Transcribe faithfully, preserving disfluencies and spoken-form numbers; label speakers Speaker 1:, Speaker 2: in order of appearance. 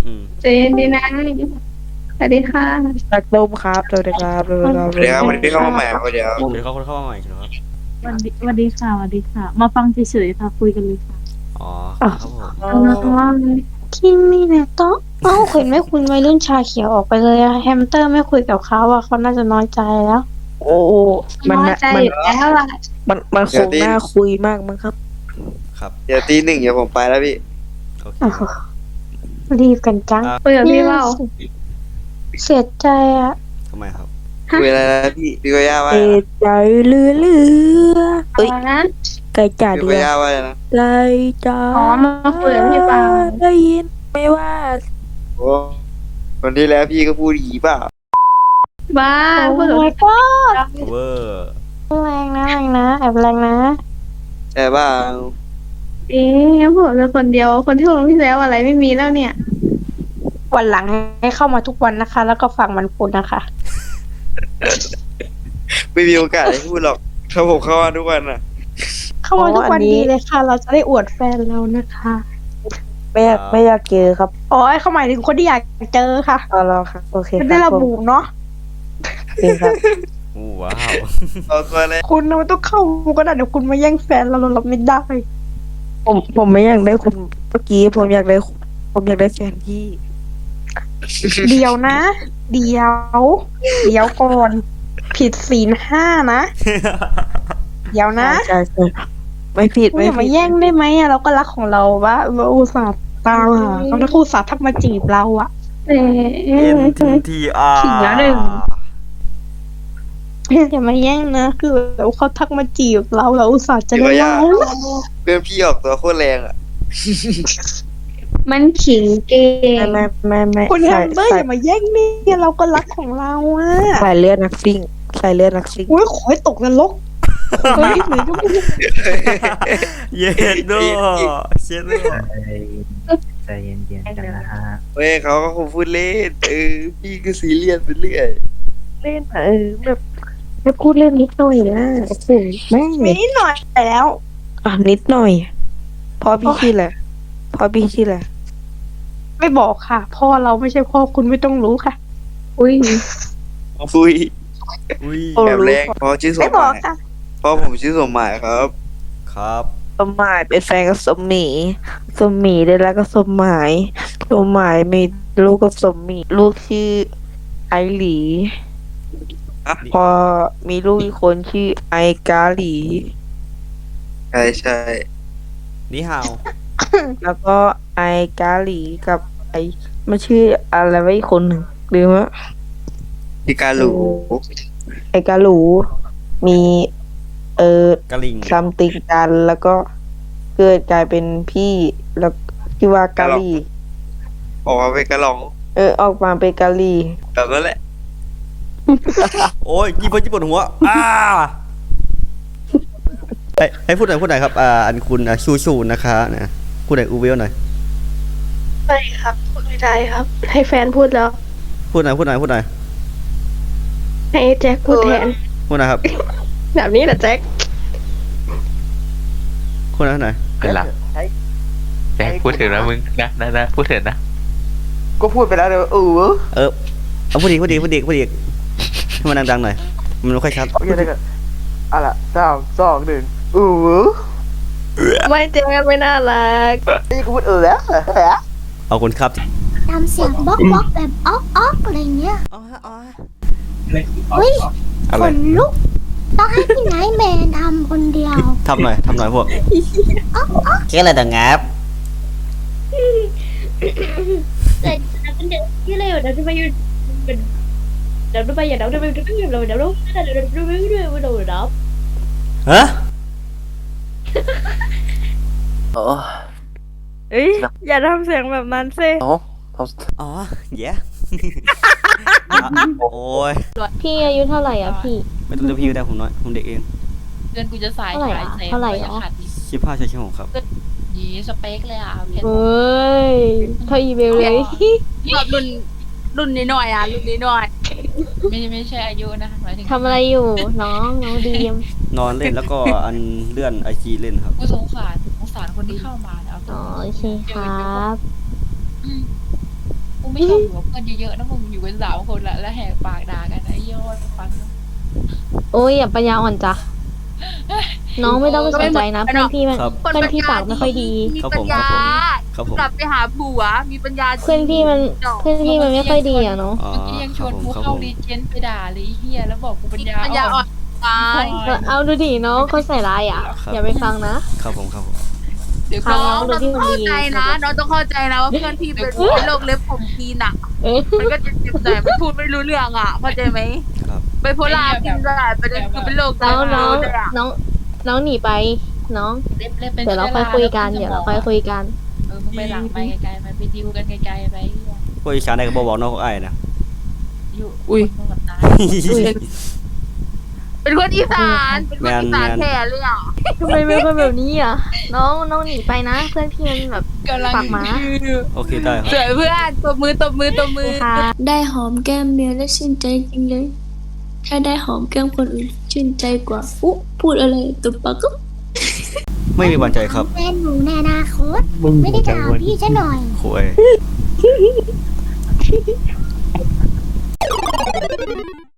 Speaker 1: อืม
Speaker 2: ใจเย็นดีนะสวัสดีค่ะ
Speaker 3: ตักต้มครับสวัสดีครับสวัสดีครับ
Speaker 4: เดี๋ยววันนี้เข้ามาใหม่ครับเดี๋ยว
Speaker 1: เดี๋ยวเขาคนเข้ามาใหม่ใช่ไหมครับ
Speaker 5: วันดีวันดีค่ะวันดีค่ะ มาฟังเฉยๆค่ะคุยกันเลยค่ะ
Speaker 1: อ๋อครับผม
Speaker 3: อ๋อ
Speaker 6: คิมมี่เนี่ยโต๊ะเอ้าเห็นไหมคุณวัยรุ่นชาเขียวออกไปเลยอะแฮมสเตอร์ไม่คุยกับเขาอะเขาน่าจะน้อยใจแล้ว
Speaker 3: โอ้โหมัน
Speaker 2: น้อย
Speaker 3: น่ะ
Speaker 2: ใจ
Speaker 3: มัน
Speaker 2: อยู่แล้วล่ะ
Speaker 3: มันมันคงน่าคุยมากมั้งครับ
Speaker 1: ครับ
Speaker 4: เดี๋ยวตีหนึ่งเดี๋ยวผมไปแล้วพี่
Speaker 1: โอเค
Speaker 6: โอ้โหรีบกันจัง
Speaker 2: คุยกับพี่เปล่า
Speaker 6: เสียใจอะ
Speaker 1: ทำไมครับ
Speaker 4: คุยอะไรนะพี่พี่ก็ย่าว่า
Speaker 3: เอใจเรือเรือเอ้ย
Speaker 2: อะไรนะ
Speaker 3: ไก่จ่า
Speaker 4: พี่
Speaker 3: เดื
Speaker 4: ก็
Speaker 3: อ
Speaker 4: ย่าว่าอะไรนะ
Speaker 3: ไก่จ่า
Speaker 2: อ๋อมาคุยกับพี่เปล่า
Speaker 3: ได้ยินไม่ว่า
Speaker 4: โอ้วันที่แล้วพี่ก็พูดอย่างนี้เปล่า
Speaker 2: บ้า
Speaker 6: โอ้
Speaker 2: พูดกับ
Speaker 6: my
Speaker 2: พี่
Speaker 6: god
Speaker 1: เวอร์
Speaker 6: แรงนะแรงนะแอบแรงนะ
Speaker 4: แต่ว่า
Speaker 2: เอ๊ะพูดกับคนเดียวคนที่ลงที่แล้วอะไรไม่มีแล้วเนี่ย
Speaker 6: วันหลังให้เข้ามาทุกวันนะคะ แล้วก็ฟังมันพูดนะคะ
Speaker 4: ไม่มีโอกาสได้พูดหรอกถ้าผมเข้ามาทุกวันน่ะ
Speaker 6: เข้ามาทุกวันดีเลยค่ะ เราจะได้อวดแฟนเรานะคะ
Speaker 3: ไม่อยากไม่อยากเจอครับ
Speaker 6: อ๋อเขาหมายถึงคนที่อยากเจอค่ะ
Speaker 3: เอาแล้วครับโอเค
Speaker 6: ไม่
Speaker 3: ค
Speaker 6: ได้
Speaker 3: รับ
Speaker 6: ระบุเนาะ
Speaker 3: จริงครับ
Speaker 1: โอ้ว้าว
Speaker 4: เอาตัวเลย
Speaker 6: คุณน่ะมันต้องเข้าก็ได้เดี๋ยวคุณมาแย่งแฟนเราเรารับไม่ได้
Speaker 3: ผมผมไม่อยากได้คุณเมื่อกี้ผมอยากได้ผมอยากได้แฟนพี่
Speaker 6: เดี๋ยวนะ เดี๋ยว เดี๋ยวก่อน ผิดศีลห้านะ เดี๋ยวนะ
Speaker 3: ใช่ใช่ไม่ผิด
Speaker 6: คุณ
Speaker 3: ไม่
Speaker 6: อย่า
Speaker 3: ผิ
Speaker 6: มา
Speaker 3: ด
Speaker 6: แย่งได้ไหมอะเราก็รักของเราวะเราอุตส่าห์ตามหาเขาแล้วก็อุตส่าห์ทักมาจีบเราอะ
Speaker 2: เอ๊
Speaker 1: เอ็นะ ทีทีอาร์
Speaker 2: ขิงแล้วหนึ่ง
Speaker 6: อย่ามาแย่งนะคือเราเขาทักมาจีบเราเราอุตส่าห์จะ
Speaker 4: พี่
Speaker 6: ได้
Speaker 4: ก็ย่า
Speaker 6: เล่า
Speaker 4: เพื่อนพี่ออกตัวโคตรแรงอ่ะ
Speaker 2: มันขิงเก่ง
Speaker 3: ไม่ไม่ไม่ไม่
Speaker 6: คุณแฮ
Speaker 3: ใส่
Speaker 6: มเบอร์อ
Speaker 3: ใส่
Speaker 6: ย่ามาแย่งนี่เราก็รักของเราอะ
Speaker 3: ใส่เลือดนักซิ่งใส่เลือดนักซิ่ง
Speaker 6: อุ้ยขอให้ตกนรกเฮ้ยหรือจะพูด
Speaker 1: เย็นด้วยเช็ดด้วย
Speaker 7: ใจเย็นๆกันนะฮะ
Speaker 4: เว้ยเขาก็คงพูดเล่นเออพี่ก็ซีเรียสไปเรื่อย
Speaker 3: เล่นเออแบบไม่พูดเล่นนิดหน่อยนะโอ้โหแม่ง
Speaker 6: มีนิดหน่อยแล้ว
Speaker 3: อ่ะนิดหน่อยพอพี่ชื่อแหละพอพี่ชื่อแหละ
Speaker 6: ไม่บอกค่ะ พ่อเราไม่ใช่พ่อคุณไม่ต้องรู้ค่ะ
Speaker 2: อุ้ย
Speaker 4: คุย
Speaker 1: อุ้ย
Speaker 4: แบบแรงเพราะชื่อส
Speaker 6: ไม่
Speaker 4: ม
Speaker 6: บ
Speaker 4: ห
Speaker 6: อ
Speaker 4: มาก ย
Speaker 6: ค่ะ
Speaker 4: เพราะผมชื่อสมหมายครับ
Speaker 1: ครับ
Speaker 3: สมหมายเป็นแฟนกับสมหมีสมหมีได้แล้วก็สมหมายสมหมายมีลูกกับสมหมีลูกชื่อไอหลี
Speaker 4: อ่ะ
Speaker 3: พอมีลูกอีกคนชื่อไอกาหลี
Speaker 4: ใช่ใช่
Speaker 1: นี่ฮาว
Speaker 3: แล้วก็ไอกาหลีกับไอมันชื่ออะไรวะอีกคนหนึ่งลืมละ
Speaker 4: พี่การหลู
Speaker 3: ไอกาหลู มีเออก
Speaker 1: ะลิง
Speaker 3: ซัมติงกันแล้วก็เกิดกลายเป็นพี่แล้วที่ว่ากาหลี
Speaker 4: ออกมาเป็นกระหลอง
Speaker 3: เออออกมาเป็นกาหลี
Speaker 4: แบบนั้นแหละ
Speaker 1: โอ้ยยี่ปวดยี่ปวดหัวอ้าให้ให้พูดหน่อยพูดหน่อยครับอ่าอันคุณอ่ะชูชูนะคะนะพูดหน่อยอูเวลหน่อย
Speaker 2: ไม่ครับพูดไม่ได้ครับ ให้แฟนพูดแล้ว
Speaker 1: พูดหน่อยพูดหน่อยพูดหน่อย
Speaker 2: ให้แจ็คพูดแทน
Speaker 1: พูดหน่อยครับ
Speaker 2: แบบนี้แหละแจ็ค
Speaker 1: พูดหน่อยพูดหน่อย
Speaker 7: เป็นหลักแจ็คพูดถึงนะมึงนะนะนะพูดถึงนะ
Speaker 3: ก็พูดไปแล้วเดี๋ยวเออ
Speaker 1: เออเอาพูดอีกพูดอีกพูดอีกพูดอีกให้มันดังๆหน่อยมันไม่ค่อยชัด
Speaker 3: ยังไงกันอ่ะละสามสองหนึ่งเออ
Speaker 2: ไม่แจ็คไม่น่ารัก
Speaker 3: นี่กูพูดเออแล้ว
Speaker 1: เอาคนครับ
Speaker 8: ทำเสียงบล็อกบล็อกแบบอ๊อกอ๊อกอะไรเงี้ย
Speaker 1: อ๋ออ๋อ
Speaker 8: เฮ้ย
Speaker 1: อะ
Speaker 8: ข
Speaker 1: ไร
Speaker 8: นลุก ต้องให้พี่ไนท์แมนทำคนเดียว
Speaker 1: ทำหน่อยทำหน่อยพวกแค่อะไรต่างงับ
Speaker 8: แต่เป็นเด็กที่เร็วเดี๋ยวจะไปอยู่เป็นเดี๋ยวจะไปอย่าเดี๋ยวจะไปเดี๋ยวเดี๋ยวเดี๋ยวเดี๋ยวเดี๋ยวเดี๋ยวเดี๋ยวเดี๋ยวเดี๋ยวเดี๋ยวเดี๋ยว
Speaker 1: ฮะ
Speaker 3: โอ้
Speaker 5: เอ้ยอย่าทำเสียงแบบนั้นสิ
Speaker 3: โอ้
Speaker 1: อ๋อเย้โอ้ย
Speaker 6: พี่อายุเท่าไหร่อ่ะพี่
Speaker 1: ไม่ต้องเรียกพี่ก็ได้ผมน้อยผมเด็กเอง
Speaker 9: เดือนกูจะสาย
Speaker 6: เท่าไหร่อะ
Speaker 9: ฉายแสง
Speaker 6: เท่าไหร่
Speaker 9: ก็ยัง
Speaker 6: อ๋อ
Speaker 9: ขาดอีก
Speaker 1: ชิบห้าใช่ชิบหกครับ
Speaker 9: ยีสเปคเลยอ่ะเอาแค่
Speaker 6: เอ้ยเท่าอีเบลเลย
Speaker 9: แบบรุ่นรุ่นนิดหน่อยอ่ะรุ่นนิดหน่อยไม่ไม่ใช่อายุนะหมายถึง
Speaker 6: ทำอะไรอยู่น้องน้องดีม
Speaker 1: นอนเล่นแล้วก็อันเลื่อนไอจีเล่นครับ
Speaker 9: กูสงสารสงสารคนที่เข้ามาเนี่ยเอา
Speaker 6: อ๋อโอเคครับ
Speaker 9: กูไม่ชอบอยู่กับเพื่อนเยอะๆนะมึงอยู่กันสามคนละแล้วแหกปากด่ากันไอ้ยอดฟังนะ
Speaker 10: โอ้ยอย่าปัญญาอ่อนจ้ะน้องไม่ต้องไปสนใจนะเพื่อนพี่มัน
Speaker 1: ครับ
Speaker 10: เพื่อนพี่ปากไม่ค่อยดี
Speaker 1: ครับผมครับผมครับผม
Speaker 9: กลับไปหาผัวมีปัญญา
Speaker 10: เพื่อนพี่มันเพื่อนพี่มันไม่ค่อยดีอะเนาะ
Speaker 1: อ๋อ
Speaker 9: เมื่อกี้ยังช
Speaker 1: ครับ
Speaker 9: วน
Speaker 1: ผม
Speaker 9: กู
Speaker 1: ครับ
Speaker 9: เข้า
Speaker 1: ผม
Speaker 9: ดีเจนไปด่าเลยไอ้เฮียแล้วบอกกูปัญญา
Speaker 5: ปัญญาอ่อนตาย
Speaker 10: เออเอาดูดิน้องเขาใส่ร้ายอ่ะ
Speaker 1: ครับ
Speaker 10: อย่าไปฟังนะ
Speaker 1: ครับผมครับผม
Speaker 9: เดี๋ยว
Speaker 10: ครั
Speaker 9: ก็
Speaker 10: บ
Speaker 5: น้องเราต้องเข้าใจนะน้องต้องเข้าใจนะว่าเพื่อนพี่เป็นโรคเล็บผมทีนอ่ะ
Speaker 10: เอ๊ะ
Speaker 5: มันก็เจ็บๆหน่อยมันพูดไม่รู้เรื่องอ่ะเข้าใจไหม
Speaker 1: ครับ
Speaker 5: ไปโพลาร์กินได้ประเด็นคือเป็นโรค
Speaker 10: น้องน้อง
Speaker 5: เลยอ่ะ
Speaker 10: น้องน้องหนีไปน้อง
Speaker 9: เล็บเล็บเป็น
Speaker 10: เดี๋ยวเราค่อยคุยกันเดี๋ยวเราค่อยคุยกัน
Speaker 9: เออมึงไปหลังไปไกลๆไปไปดิวกันไกลๆไป
Speaker 1: พวกอีสานได้ก็บอกบอกน้องของไอ้นะ
Speaker 9: อยู่
Speaker 5: อุ้ย
Speaker 9: คนกับตาย
Speaker 5: เป็นคนอีสานเป็นคนอีสานแท้เลยอ่ะ
Speaker 10: ทำไมเป็นคนแบบนี้อ่ะน้องน้องหนีไปนะ เพื่อนพี่มันแบบ
Speaker 9: กำลัง
Speaker 10: ปากหมา
Speaker 1: โอเคได้ครับ
Speaker 5: สวยเพื่อนตบมือตบมือตบมือ
Speaker 10: ค่ะ
Speaker 8: ได้หอมแก้มเมียแล้วชื่นใจจริงเลย ถ้าได้หอมแก้มคนอื่นชื่นใจกว่าอุ๊พูดอะไรตุบปากก็
Speaker 1: ไม่มีวันใจครับ
Speaker 8: แฟนหนูในอนาคตไม่ได้ด่าพี่ซะหน่อย
Speaker 1: คุย